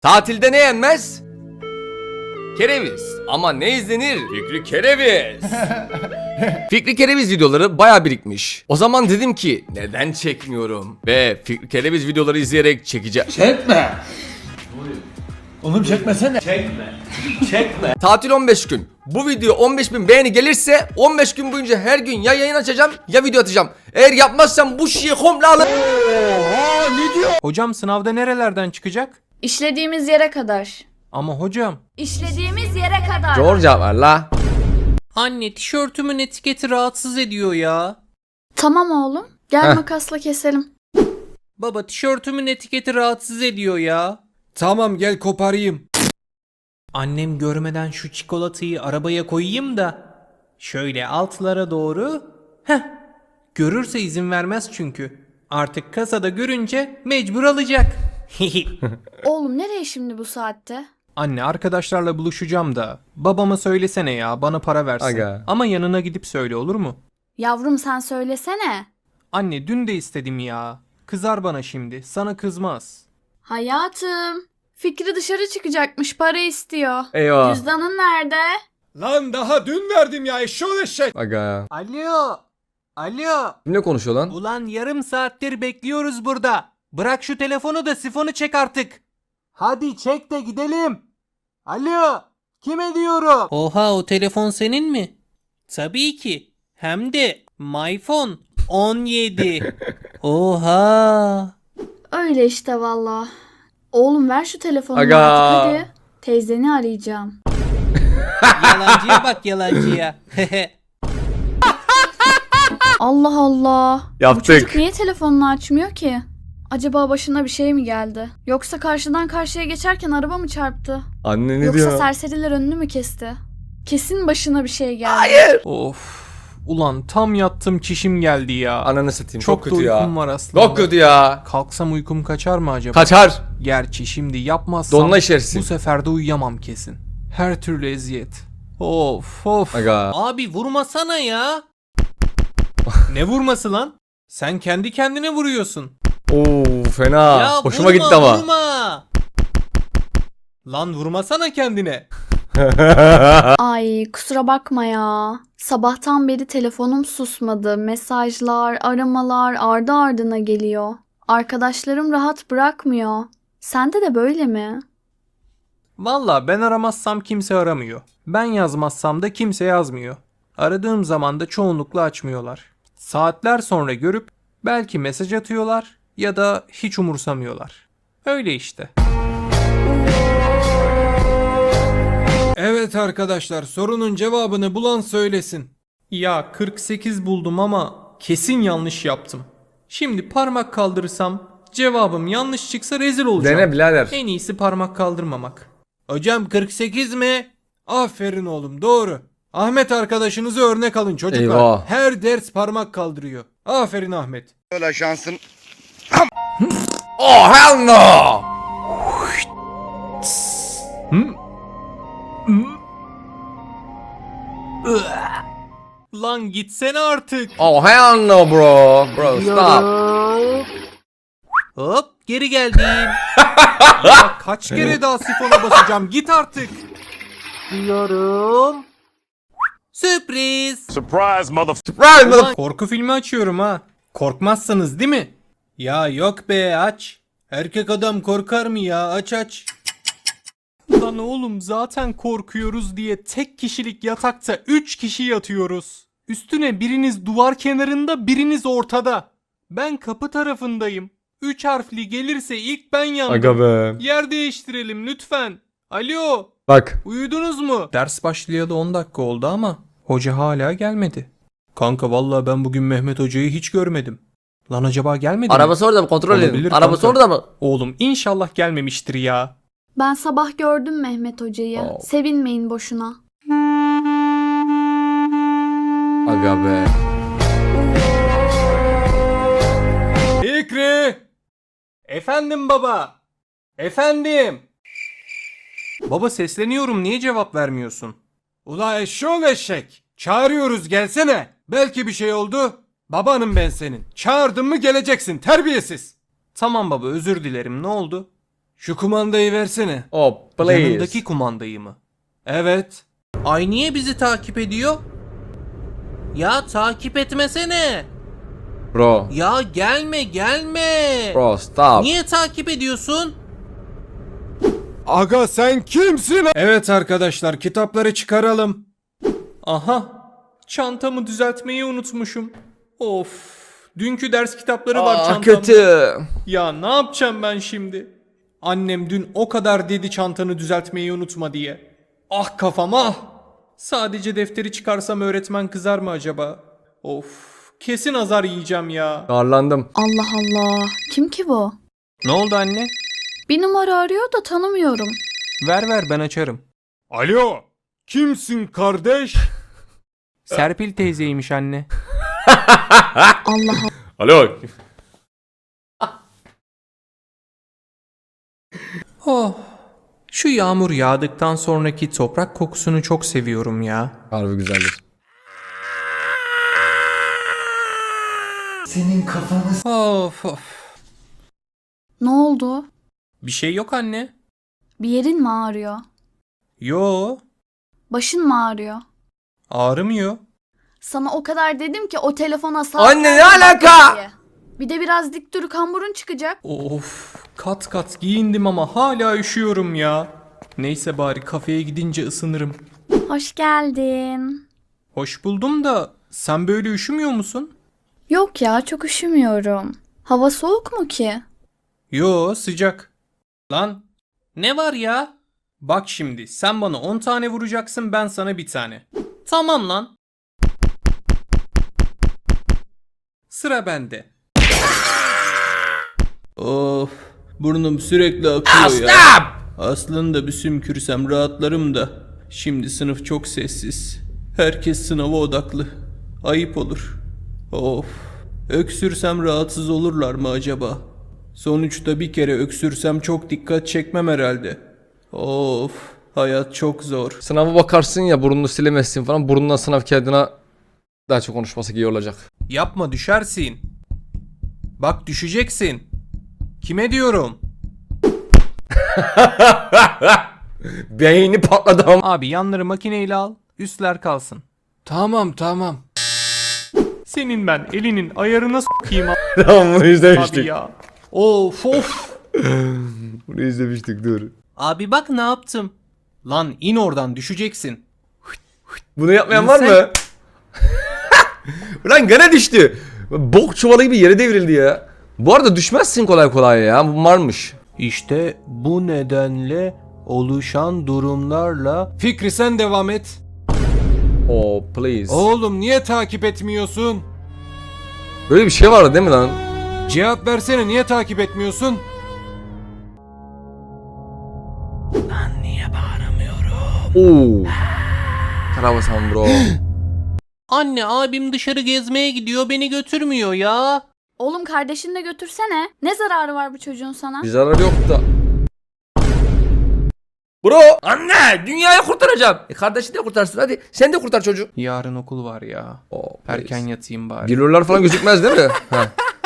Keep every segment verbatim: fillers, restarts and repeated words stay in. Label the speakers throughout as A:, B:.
A: Tatilde ne yenmez? Kereviz. Ama ne izlenir? Fikri Kereviz. Fikri Kereviz videoları baya birikmiş. O zaman dedim ki neden çekmiyorum? Ve Fikri Kereviz videoları izleyerek çekeceğim.
B: Çekme. Oğlum çekmesene. Çekme. Çekme.
A: Tatil on beş gün. Bu video on beş bin beğeni gelirse on beş gün boyunca her gün ya yayın açacağım ya video atacağım. Eğer yapmazsam bu şeyi komple alır.
B: Oha ne diyor?
C: Hocam sınavda nerelerden çıkacak?
D: İşlediğimiz yere kadar.
C: Ama hocam.
D: İşlediğimiz yere kadar.
A: Georgia var la.
C: Anne tişörtümün etiketi rahatsız ediyor ya.
D: Tamam oğlum. Gel
A: Heh.
D: makasla keselim.
C: Baba tişörtümün etiketi rahatsız ediyor ya.
B: Tamam gel koparayım.
C: Annem görmeden şu çikolatayı arabaya koyayım da. Şöyle altlara doğru. Heh. Görürse izin vermez çünkü. Artık kasada görünce mecbur alacak.
D: Oğlum nereye şimdi bu saatte?
C: Anne arkadaşlarla buluşacağım da. Babama söylesene ya bana para versin.
A: Aga.
C: Ama yanına gidip söyle olur mu?
D: Yavrum sen söylesene.
C: Anne dün de istedim ya. Kızar bana şimdi. Sana kızmaz.
D: Hayatım. Fikri dışarı çıkacakmış, para istiyor.
A: Eyvah.
D: Cüzdanın nerede?
B: Lan daha dün verdim ya eşşoğlu eşek.
A: Aga.
C: Alo. Alo.
A: Kimle konuşuyor lan?
C: Ulan yarım saattir bekliyoruz burada. Bırak şu telefonu da sifonu çek artık. Hadi çek de gidelim. Alo. Kime diyorum? Oha o telefon senin mi? Tabii ki. Hem de MyPhone on yedi. Oha.
D: Öyle işte valla. Oğlum ver şu telefonu
A: Aga.
D: artık hadi. Teyzeni arayacağım.
C: Yalancıya bak yalancıya.
D: Allah Allah. Bu
A: Yaptık.
D: çocuk niye telefonunu açmıyor ki? Acaba başına bir şey mi geldi? Yoksa karşıdan karşıya geçerken araba mı çarptı?
A: Anne ne
D: Yoksa
A: diyor?
D: serseriler önünü mü kesti? Kesin başına bir şey geldi.
C: Of. Ulan tam yattım çişim geldi ya.
A: Ananı satayım. Çok,
C: Çok,
A: kötü
C: da
A: ya.
C: uykum var aslında.
A: Çok kötü ya.
C: Kalksam uykum kaçar mı acaba?
A: Kaçar.
C: Gerçi şimdi yapmazsam
A: Donla işersin.
C: bu sefer de uyuyamam kesin. Her türlü eziyet. Of of.
A: Aga.
C: Abi vurmasana ya. Ne vurması lan? Sen kendi kendine vuruyorsun.
A: Oo fena.
C: Ya
A: Hoşuma
C: vurma,
A: gitti ama.
C: Vurma. Lan vurmasana kendine.
D: Ay kusura bakma ya. Sabahtan beri telefonum susmadı. Mesajlar, aramalar ardı ardına geliyor. Arkadaşlarım rahat bırakmıyor. Sende de böyle mi?
C: Valla ben aramazsam kimse aramıyor. Ben yazmazsam da kimse yazmıyor. Aradığım zaman da çoğunlukla açmıyorlar. Saatler sonra görüp belki mesaj atıyorlar ya da hiç umursamıyorlar. Öyle işte.
B: Evet arkadaşlar sorunun cevabını bulan söylesin.
C: Ya kırk sekiz buldum ama kesin yanlış yaptım. Şimdi parmak kaldırırsam cevabım yanlış çıksa rezil olacağım.
A: Dene birader.
C: En iyisi parmak kaldırmamak.
B: Hocam kırk sekiz mi? Aferin oğlum doğru. Ahmet arkadaşınızı örnek alın çocuklar.
A: Eyvah.
B: Her ders parmak kaldırıyor. Aferin Ahmet.
E: Öyle şansın.
A: Oh hell no.
C: Lan gitsene artık.
A: Oh hell no bro. Bro stop.
C: Hop geri geldim. Ya kaç kere daha sifona basacağım git artık. Diyorum. Sürpriz.
E: Surprise mother.
A: Surprise
C: Ulan
A: mother.
C: korku filmi açıyorum ha. Korkmazsınız değil mi?
B: Ya yok be aç. Erkek adam korkar mı ya aç aç.
C: Lan oğlum zaten korkuyoruz diye tek kişilik yatakta üç kişi yatıyoruz. Üstüne biriniz duvar kenarında biriniz ortada. Ben kapı tarafındayım. Üç harfli gelirse ilk ben yandım.
A: Aga be.
C: Yer değiştirelim lütfen. Alo.
A: Bak.
C: Uyudunuz mu? Ders başlayalı on dakika oldu ama hoca hala gelmedi. Kanka vallahi ben bugün Mehmet hocayı hiç görmedim. Lan acaba gelmedi mi?
A: Arabası orada mı? Kontrol edin.
C: Olabilir
A: Arabası
C: kanka.
A: orada mı?
C: Oğlum inşallah gelmemiştir ya.
D: Ben sabah gördüm Mehmet hocayı.
A: Oh.
D: Sevinmeyin boşuna.
A: Aga be.
B: Fikri.
C: Efendim baba. Efendim. Baba sesleniyorum niye cevap vermiyorsun?
B: Ula eşşoğlu eşek. Çağırıyoruz gelsene. Belki bir şey oldu. Babanım ben senin. Çağırdın mı geleceksin terbiyesiz.
C: Tamam baba özür dilerim ne oldu?
B: Şu kumandayı versene.
A: Oh please.
B: Yanındaki kumandayı mı? Evet.
C: Ay niye bizi takip ediyor? Ya takip etmesene.
A: Bro.
C: Ya gelme gelme.
A: Bro stop.
C: Niye takip ediyorsun?
B: Aga sen kimsin? Evet arkadaşlar, kitapları çıkaralım. Aha. Çantamı düzeltmeyi unutmuşum. Of. Dünkü ders kitapları var
A: Aa,
B: çantamda.
A: kötü.
B: Ya ne yapacağım ben şimdi? Annem dün o kadar dedi çantanı düzeltmeyi unutma diye. Ah kafam ah. Sadece defteri çıkarsam öğretmen kızar mı acaba? Of. Kesin azar yiyeceğim ya.
A: Darlandım.
D: Allah Allah. Kim ki bu?
B: Ne oldu anne?
D: Bir numara arıyor da tanımıyorum.
B: Ver ver ben açarım. Alo. Kimsin kardeş? Serpil teyzeymiş anne.
D: Allah Allah.
A: Alo.
B: Oh. Şu yağmur yağdıktan sonraki toprak kokusunu çok seviyorum ya.
A: Harbi güzeldir.
B: Of of.
D: Ne oldu?
B: Bir şey yok anne.
D: Bir yerin mi ağrıyor?
B: Yo.
D: Başın mı ağrıyor?
B: Ağrımıyor.
D: Sana o kadar dedim ki o telefona sağ
A: Anne, ne alaka?
D: diye. Bir de biraz dik dur, kamburun çıkacak.
B: Of. Kat kat giyindim ama hala üşüyorum ya. Neyse bari kafeye gidince ısınırım.
D: Hoş geldin.
B: Hoş buldum da sen böyle üşümüyor musun?
D: Yok ya, çok üşümüyorum. Hava soğuk mu ki?
B: Yo sıcak. Lan ne var ya? Bak şimdi sen bana on tane vuracaksın, ben sana bir tane. Tamam lan. Sıra bende. Of, burnum sürekli akıyor ya.
A: Stop.
B: Aslında bir sümkürsem rahatlarım da. Şimdi sınıf çok sessiz. Herkes sınava odaklı. Ayıp olur. Of. Öksürsem rahatsız olurlar mı acaba? Sonuçta bir kere öksürsem çok dikkat çekmem herhalde. Of. Hayat çok zor.
A: Sınava bakarsın ya, burnunu silemezsin falan. Burnundan sınav kağıdına daha çok konuşması iyi olacak.
B: Yapma, düşersin. Bak düşeceksin. Kime diyorum?
A: Beyni patladı ama.
B: Abi yanları makineyle al. Üstler kalsın. Tamam tamam. Senin ben elinin ayarına s**eyim abi
A: Tamam, bunu izlemiştik.
B: ya. Of of.
A: Bunu izlemiştik, dur.
C: Abi bak ne yaptım.
B: Lan in oradan, düşeceksin.
A: Bunu yapmayan var
B: İnsan-
A: mı? Ulan gene düştü. Bok çuvalı gibi yere devrildi ya. Bu arada düşmezsin kolay kolay ya. Bu varmış.
B: İşte bu nedenle oluşan durumlarla... Fikri sen devam et.
A: Oh please.
B: Oğlum niye takip etmiyorsun?
A: Böyle bir şey vardı değil mi lan?
B: Cevap versene, niye takip etmiyorsun?
A: Oo. Karabasan bro.
C: Anne abim dışarı gezmeye gidiyor, beni götürmüyor ya.
D: Oğlum kardeşini de götürsene. Ne zararı var bu çocuğun sana?
A: Bir zarar yok da. Bro. Anne, dünyayı kurtaracağım. E kardeşini de kurtarsın, hadi. Sen de kurtar çocuk.
B: Yarın okul var ya.
A: Oh,
B: Erken yatayım bari.
A: Giriyorlar falan gözükmez değil mi? Ha.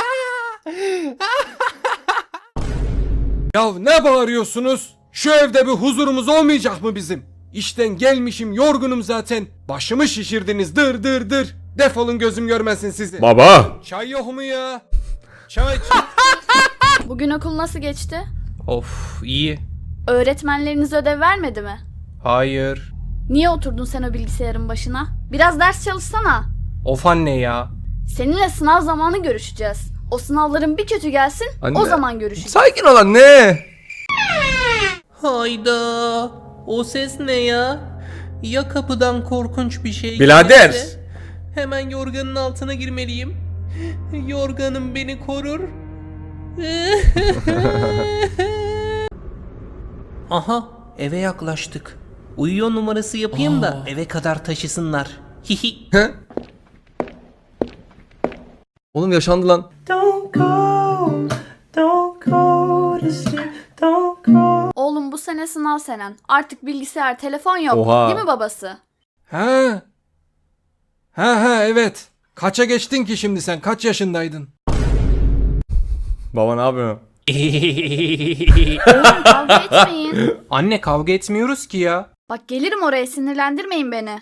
B: Ya ne bağırıyorsunuz? Şu evde bir huzurumuz olmayacak mı bizim? İşten gelmişim, yorgunum zaten. Başımı şişirdiniz, dır dır dır. Defolun, gözüm görmesin sizi.
A: Baba.
B: Çay yok mu ya? Çay.
D: Bugün okul nasıl geçti?
B: Of, iyi.
D: Öğretmenleriniz ödev vermedi mi?
B: Hayır.
D: Niye oturdun sen o bilgisayarın başına? Biraz ders çalışsana.
B: Of anne ya.
D: Seninle sınav zamanı görüşeceğiz. O sınavların bir kötü gelsin,
A: Anne.
D: o zaman görüşeceğiz.
A: Sakin ol anne.
C: Hayda. O ses ne ya? Ya kapıdan korkunç bir şey
A: Birader.
C: gelirse? Hemen yorganın altına girmeliyim. Yorganım beni korur. Aha, eve yaklaştık. Uyuyor numarası yapayım da eve kadar taşısınlar. Hihi.
A: He? Oğlum yaşandı lan.
E: Don't go, don't go to sleep, don't go.
D: Oğlum bu sene sınav senen. Artık bilgisayar, telefon yok.
A: Oha.
D: Değil mi babası?
B: Ha. Ha ha evet. Kaça geçtin ki şimdi sen? Kaç yaşındaydın?
A: Baba ne yapıyorsun?
D: Oğlum kavga etmeyin.
C: Anne kavga etmiyoruz ki ya.
D: Bak gelirim oraya, sinirlendirmeyin beni.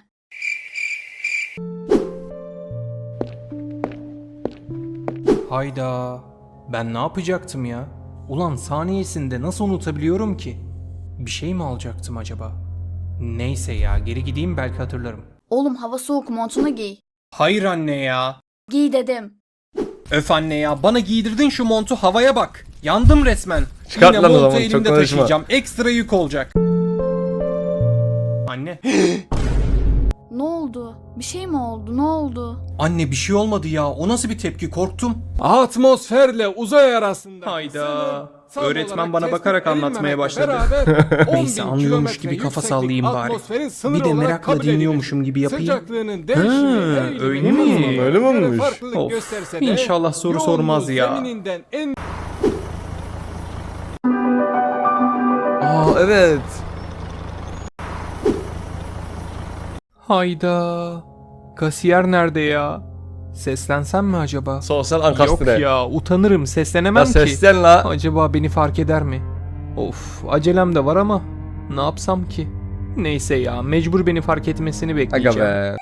C: Hayda. Ben ne yapacaktım ya? Ulan saniyesinde nasıl unutabiliyorum ki? Bir şey mi alacaktım acaba? Neyse ya, geri gideyim, belki hatırlarım.
D: Oğlum hava soğuk, montunu giy.
C: Hayır anne ya.
D: Giy dedim.
C: Öf anne ya, bana giydirdin şu montu, havaya bak. Yandım resmen.
A: Çıkart
C: Yine
A: lan o
C: montu
A: zaman, çok
C: elimde
A: konuşma.
C: taşıyacağım. Ekstra yük olacak. Anne.
D: Ne oldu? Bir şey mi oldu? Ne oldu?
C: Anne bir şey olmadı ya. O nasıl bir tepki? Korktum.
F: Atmosferle uzay arasında.
C: Hayda.
F: sınır
C: Öğretmen
F: olarak
C: bana
F: tespit
C: bakarak anlatmaya
F: edilmemekle
C: başladı.
F: beraber on
C: Neyse,
F: bin
C: anlıyormuş
F: kilometre
C: gibi kafa
F: yükseklik
C: sallayayım bari.
F: atmosferin sınırı
C: Bir de
F: olarak
C: merakla
F: kabul edilir.
C: dinliyormuşum gibi yapayım.
F: Sıcaklığının değişimi
C: Ha,
F: eğilimi
C: öyle mi?
F: uzamana
A: Öyle mi
F: göre
A: olmuş?
F: farklılık
C: Of,
F: gösterse de
C: inşallah soru
F: yoğunluğu
C: sormaz ya.
F: zemininden en
A: Aa evet.
C: Hayda. Kasiyer nerede ya? Seslensem mi acaba?
A: Sosyal
C: Yok
A: ankastre.
C: ya, utanırım, seslenemem
A: Ya
C: ki.
A: seslen la.
C: Acaba beni fark eder mi? Of, acelem de var ama ne yapsam ki? Neyse ya, mecbur beni fark etmesini
A: Aga
C: bekleyeceğim.
A: be.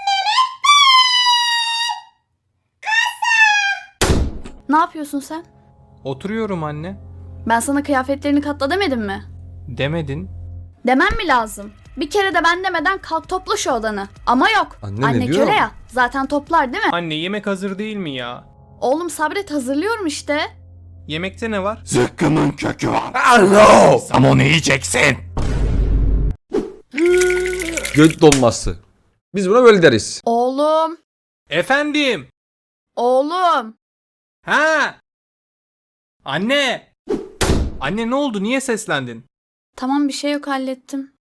D: Ne yapıyorsun sen?
C: Oturuyorum anne.
D: Ben sana kıyafetlerini katla demedim mi?
C: Demedin.
D: Demem mi lazım? Bir kere de ben demeden kalk topla şu odanı. Ama yok.
A: Anne ne diyor?
D: köle ya. Zaten toplar değil mi?
C: Anne yemek hazır değil mi ya?
D: Oğlum sabret, hazırlıyorum işte.
C: Yemekte ne var?
F: zıkkımın kökü var.
A: Alo.
F: Sam onu yiyeceksin.
A: Göt dolması. Biz buna böyle deriz.
D: Oğlum.
C: Efendim.
D: Oğlum.
C: Ha? Anne. Anne ne oldu? Niye seslendin?
D: Tamam, bir şey yok, hallettim.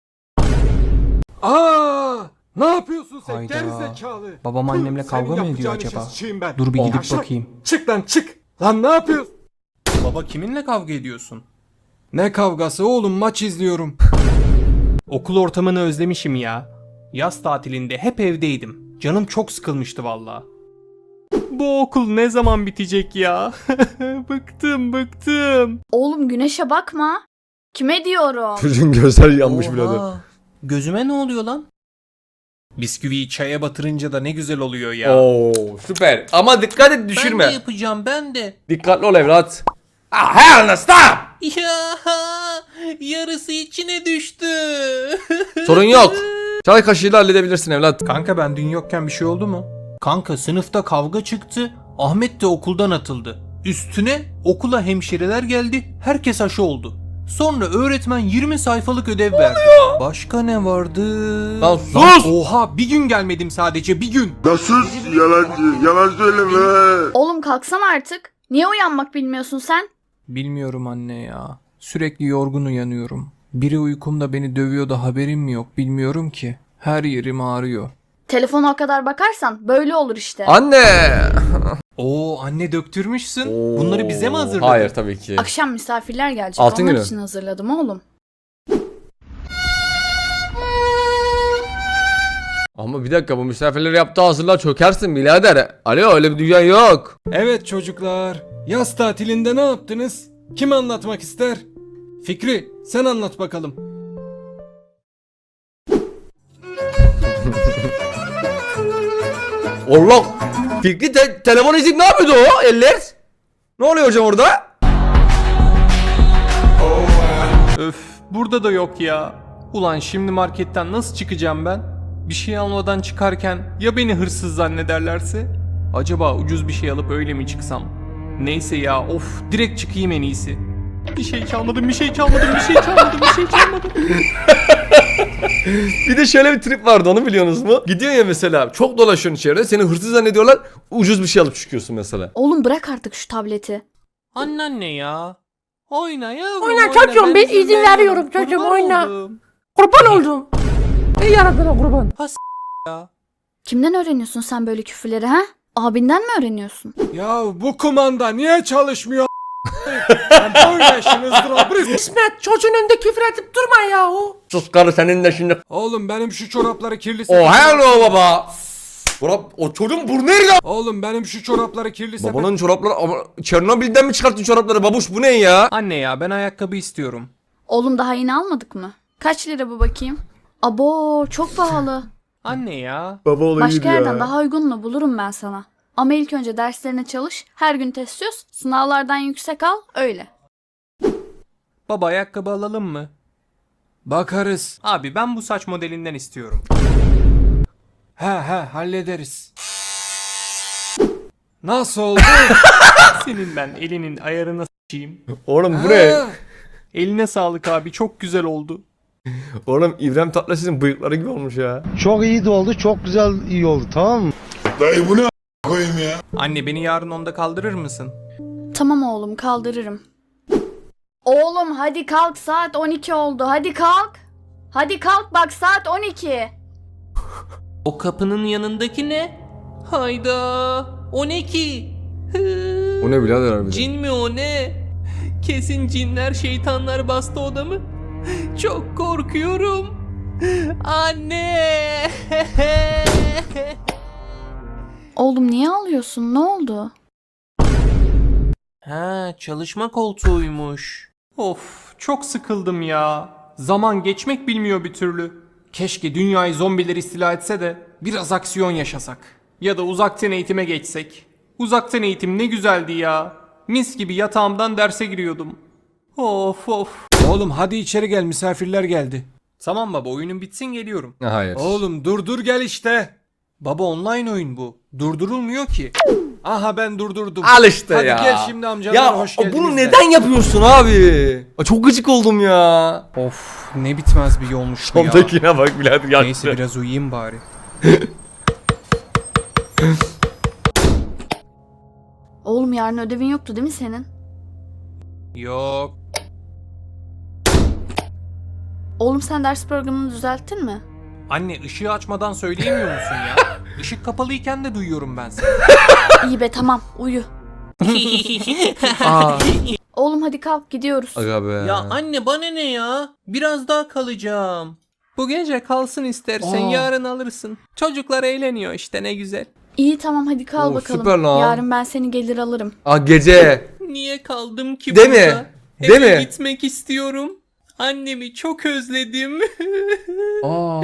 F: Aa! Ne yapıyorsun sen
C: Hayda.
F: gerizekalı?
C: Babam
F: Tüh,
C: annemle
F: senin
C: kavga mı ediyor
F: yapacağın
C: acaba?
F: işe sıçayım ben.
C: Dur bir gidip
F: Yavşak.
C: bakayım.
F: Çık lan çık. Lan ne yapıyorsun?
C: Baba kiminle kavga ediyorsun?
F: Ne kavgası oğlum, maç izliyorum.
C: Okul ortamını özlemişim ya. Yaz tatilinde hep evdeydim. Canım çok sıkılmıştı valla. Bu okul ne zaman bitecek ya? bıktım bıktım.
D: Oğlum güneşe bakma. Kime diyorum?
A: Çocuğun gözler yanmış bile.
C: Oha, gözüme ne oluyor lan? Bisküviyi çaya batırınca da ne güzel oluyor ya.
A: Oo süper. Ama dikkat et düşürme.
C: Ben de yapacağım, ben de.
A: Dikkatli ol evlat. Ah hell no stop.
C: Ya yarısı içine düştü.
A: Sorun yok. Çay kaşığıyla halledebilirsin evlat.
C: Kanka ben dün yokken bir şey oldu mu? Kanka sınıfta kavga çıktı. Ahmet de okuldan atıldı. Üstüne okula hemşireler geldi. Herkes aşı oldu. Sonra öğretmen yirmi sayfalık ödev verdi. Başka ne vardı?
A: Lan sus!
C: Oha, bir gün gelmedim sadece, bir gün.
G: Sus yalancı, yalan söyleme.
D: Oğlum kalksana artık. Niye uyanmak bilmiyorsun sen?
C: Bilmiyorum anne ya. Sürekli yorgun uyanıyorum. Biri uykumda beni dövüyor da haberim mi yok, bilmiyorum ki. Her yerim ağrıyor.
D: Telefona o kadar bakarsan böyle olur işte.
A: Anne.
C: Oo anne, döktürmüşsün. Bunları bize mi hazırladın?
A: Hayır tabii ki.
D: Akşam misafirler gelecek.
A: Altın
D: Onlar
A: günü.
D: için hazırladım oğlum.
A: Ama bir dakika, bu misafirleri yaptığı hazırlığa çökersin birader. Alo, öyle bir dünya yok.
F: Evet çocuklar, yaz tatilinde ne yaptınız? Kim anlatmak ister? Fikri, sen anlat bakalım.
A: Allah. Fikri te- telefon izleyip ne yapıyordu o eller? Ne oluyor hocam orada?
C: Öf, burada da yok ya. Ulan şimdi marketten nasıl çıkacağım ben? Bir şey almadan çıkarken ya beni hırsız zannederlerse? Acaba ucuz bir şey alıp öyle mi çıksam? Neyse ya, of, direkt çıkayım en iyisi. Bir şey çalmadım, bir şey çalmadım, bir şey çalmadım, bir şey çalmadım.
A: Bir de şöyle bir trip vardı, onu biliyorsunuz mu? Gidiyorsun ya mesela, çok dolaşıyorsun içeride, seni hırsız zannediyorlar, ucuz bir şey alıp çıkıyorsun mesela.
D: Oğlum bırak artık şu tableti.
C: Anneanne ya. Oyna yavrum,
H: Oyna çocuğum, ben izin veriyorum çocuğum,
C: Kurban
H: oyna.
C: oldum.
H: Kurban oldum. Ey yaradana kurban.
D: Kimden öğreniyorsun sen böyle küfürleri ha? Abinden mi öğreniyorsun?
F: Ya bu kumanda niye çalışmıyor? Ben böyle işin ızdırabı-
H: İsmet, çocuğun önünde küfür edip durma yahu.
A: Sus karı, senin de şimdi.
F: Oğlum benim şu çorapları kirli.
A: Oh hello baba. Çorap, o çocuğun burnu nerede?
F: Oğlum benim şu çorapları kirli sepet.
A: Babanın çorapları ama Çernobil'den mi çıkarttın çorapları babuş bu ne ya?
B: Anne ya ben ayakkabı istiyorum.
D: Oğlum daha yeni almadık mı? Kaç lira bu bakayım? Abo çok pahalı.
B: Anne ya.
A: Baba olayı
D: Başka yerden daha uygununu bulurum ben sana. Ama ilk önce derslerine çalış, her gün test çöz, sınavlardan yüksek al, öyle.
B: Baba ayakkabı alalım mı?
F: Bakarız.
B: Abi ben bu saç modelinden istiyorum.
F: He he hallederiz. Nasıl oldu?
B: Senin ben elinin ayarına s**eyim.
A: Oğlum bu ne?
F: Ha,
B: Eline sağlık abi çok güzel oldu.
A: Oğlum İbrahim Tatlıses'in bıyıkları gibi olmuş ya.
I: Çok iyi de oldu, çok güzel iyi oldu, tamam mı?
G: Dayı bu ne a- koyayım ya?
B: Anne beni yarın onda kaldırır mısın?
D: Tamam oğlum kaldırırım. Oğlum hadi kalk saat on iki oldu hadi kalk. Hadi kalk bak saat on iki.
C: O kapının yanındaki ne? Hayda. O ne ki? Hı.
A: O ne birader harbiden?
C: Cin mi o ne? Kesin cinler şeytanlar bastı odamı. Çok korkuyorum. Anne.
D: Oğlum niye ağlıyorsun ne oldu?
C: Ha, çalışma koltuğuymuş.
B: Of çok sıkıldım ya. Zaman geçmek bilmiyor bir türlü. Keşke dünyayı zombiler istila etse de biraz aksiyon yaşasak. Ya da uzaktan eğitime geçsek. Uzaktan eğitim ne güzeldi ya. Mis gibi yatağımdan derse giriyordum. Of of.
F: Oğlum hadi içeri gel, misafirler geldi.
B: Tamam baba oyunun bitsin geliyorum.
A: Hayır.
F: Oğlum dur dur gel işte.
B: Baba online oyun bu. Durdurulmuyor ki.
F: Aha ben durdurdum.
A: Al işte
F: hadi
A: ya.
F: gel şimdi amcalar
A: Ya
F: hoş geldiniz.
A: bunu
F: de.
A: neden yapıyorsun abi? Aa, çok gıcık oldum ya.
B: Of ne bitmez bir yolmuş bu ya.
A: Sondakine bak birader yaktı.
B: Neyse biraz uyuyayım bari.
D: Oğlum yarın ödevin yoktu değil mi senin?
B: Yok.
D: Oğlum sen ders programını düzelttin mi?
B: Anne ışığı açmadan söyleyemiyor musun ya? Işık kapalıyken de duyuyorum ben seni.
D: İyi be tamam uyu.
A: Aa.
D: Oğlum hadi kalk gidiyoruz.
A: Aga be.
C: Ya anne bana ne ya? Biraz daha kalacağım.
B: Bu gece kalsın istersen
A: Aa.
B: yarın alırsın. Çocuklar eğleniyor işte ne güzel.
D: İyi tamam hadi kal
A: Oo,
D: bakalım.
A: süper lan.
D: Yarın ben seni gelir alırım.
A: Aa gece.
C: Niye kaldım ki
A: Değil
C: burada?
A: mi? Değil
C: Eve
A: mi?
C: gitmek istiyorum. Annemi çok özledim.
A: Aa.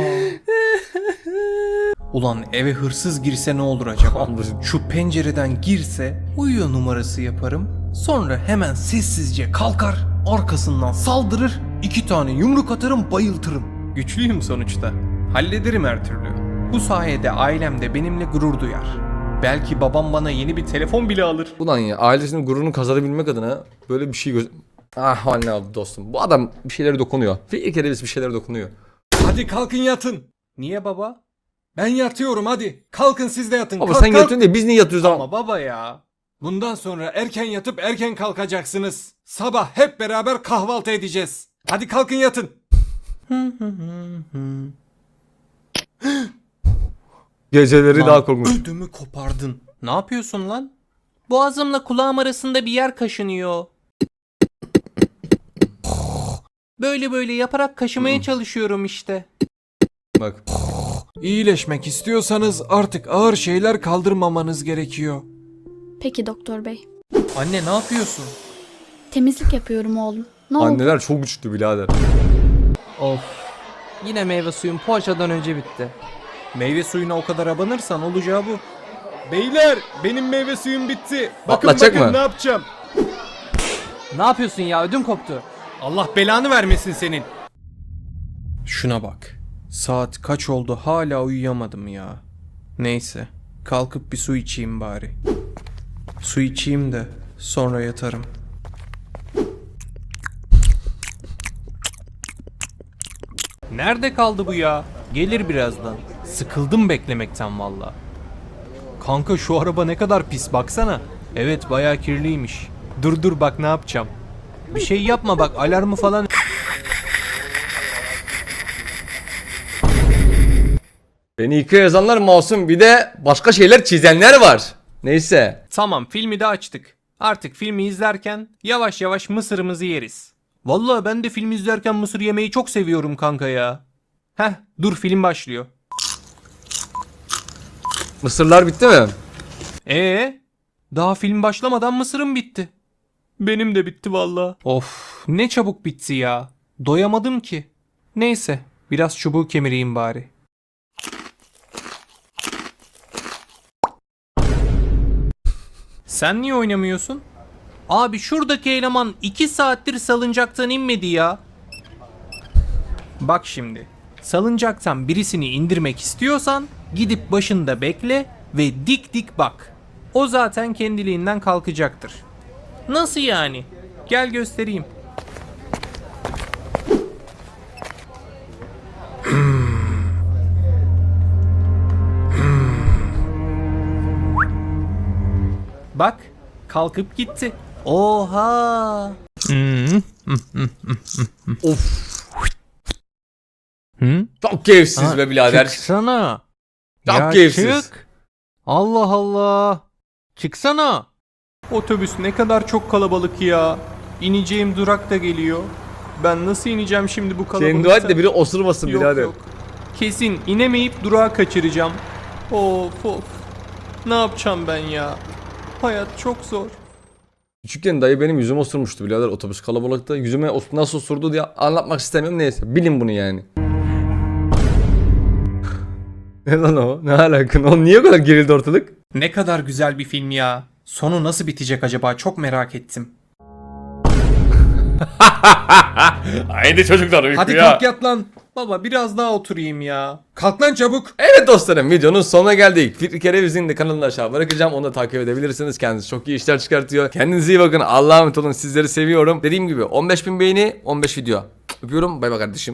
B: Ulan eve hırsız girse ne olur acaba? Şu pencereden girse uyuyor numarası yaparım. Sonra hemen sessizce kalkar arkasından saldırır. İki tane yumruk atarım bayıltırım. Güçlüyüm sonuçta. Hallederim her türlü. Bu sayede ailem de benimle gurur duyar. Belki babam bana yeni bir telefon bile alır.
A: Ulan ya ailesinin gururunu kazanabilmek adına böyle bir şey göz... Ah anne abi dostum. Bu adam bir şeylere dokunuyor. Bir kere bir şeylere dokunuyor.
F: Hadi kalkın yatın.
B: Niye baba?
F: Ben yatıyorum hadi. Kalkın siz de yatın.
A: Baba
F: kalk,
A: sen
F: kalk.
A: yatıyorsun diye biz niye yatıyoruz ama?
B: Ama baba ya.
F: Bundan sonra erken yatıp erken kalkacaksınız. Sabah hep beraber kahvaltı edeceğiz. Hadi kalkın yatın.
A: Geceleri
B: Lan,
A: daha korkunç.
B: ödümü kopardın. Ne yapıyorsun lan?
C: Boğazımla kulağım arasında bir yer kaşınıyor. Böyle böyle yaparak kaşımaya çalışıyorum işte.
A: Bak.
F: İyileşmek istiyorsanız artık ağır şeyler kaldırmamanız gerekiyor.
D: Peki doktor bey.
B: Anne ne yapıyorsun?
D: Temizlik yapıyorum oğlum. Ne oldu?
A: Anneler çok güçlü birader.
C: Of. Yine meyve suyum poğaçadan önce bitti.
B: Meyve suyuna o kadar abanırsan olacağı bu. Beyler benim meyve suyum bitti. Bakın
A: Patlatacak
B: bakın
A: mı?
B: ne yapacağım.
C: Ne yapıyorsun ya? Ödüm koptu.
B: Allah belanı vermesin senin. Şuna bak. Saat kaç oldu hala uyuyamadım ya. Neyse kalkıp bir su içeyim bari. Su içeyim de sonra yatarım. Nerede kaldı bu ya? Gelir birazdan. Sıkıldım beklemekten valla. Kanka şu araba ne kadar pis baksana. Evet bayağı kirliymiş. Dur dur bak ne yapacağım. Bir şey yapma bak alarmı falan.
A: Beni yıka yazanlar masum bir de başka şeyler çizenler var. Neyse.
B: Tamam filmi de açtık. Artık filmi izlerken yavaş yavaş mısırımızı yeriz. Vallahi ben de film izlerken mısır yemeyi çok seviyorum kanka ya. Heh dur film başlıyor.
A: Mısırlar bitti mi?
C: Ee, daha film başlamadan mısırım bitti.
B: Benim de bitti valla.
C: Of, ne çabuk bitti ya. Doyamadım ki. Neyse, biraz çubuğu kemireyim bari. Sen niye oynamıyorsun? Abi şuradaki eleman iki saattir salıncaktan inmedi ya. Bak şimdi. Salıncaktan birisini indirmek istiyorsan gidip başında bekle ve dik dik bak. O zaten kendiliğinden kalkacaktır. Nasıl yani? Gel göstereyim. Bak, kalkıp gitti. Oha!
A: Of.
C: Hı?
A: Çok keyifsiz be birader.
C: Çıksana.
A: Çok
C: Ya
A: keyifsiz.
C: çık. Allah Allah. Çıksana.
B: Otobüs ne kadar çok kalabalık ya. İneceğim durak da geliyor. Ben nasıl ineceğim şimdi bu kalabalıkta?
A: Senin dua et de biri osurmasın
B: Yok
A: birader.
B: yok. Kesin inemeyip durağı kaçıracağım. Of of. Ne yapacağım ben ya? Hayat çok zor.
A: Küçükken dayı benim yüzüme osurmuştu birader otobüs kalabalıkta. Yüzüme os- nasıl osurdu diye anlatmak istemiyorum, neyse. Bilin bunu yani. Ne lan o? Ne alaka? O niye o kadar gerildi ortalık?
C: Ne kadar güzel bir film ya. Sonu nasıl bitecek acaba? Çok merak ettim.
A: Haydi çocuklar uykuya.
C: Hadi kalk yat lan. Baba biraz daha oturayım ya. Kalk lan çabuk.
A: Evet dostlarım, videonun sonuna geldik. Fikri Kereviz'in de kanalını aşağı bırakacağım. Onu da takip edebilirsiniz. Kendisi çok iyi işler çıkartıyor. Kendinize iyi bakın. Allah'a emanet olun. Sizleri seviyorum. Dediğim gibi on beş bin beğeni, on beş video. Öpüyorum. Bay bay kardeşim.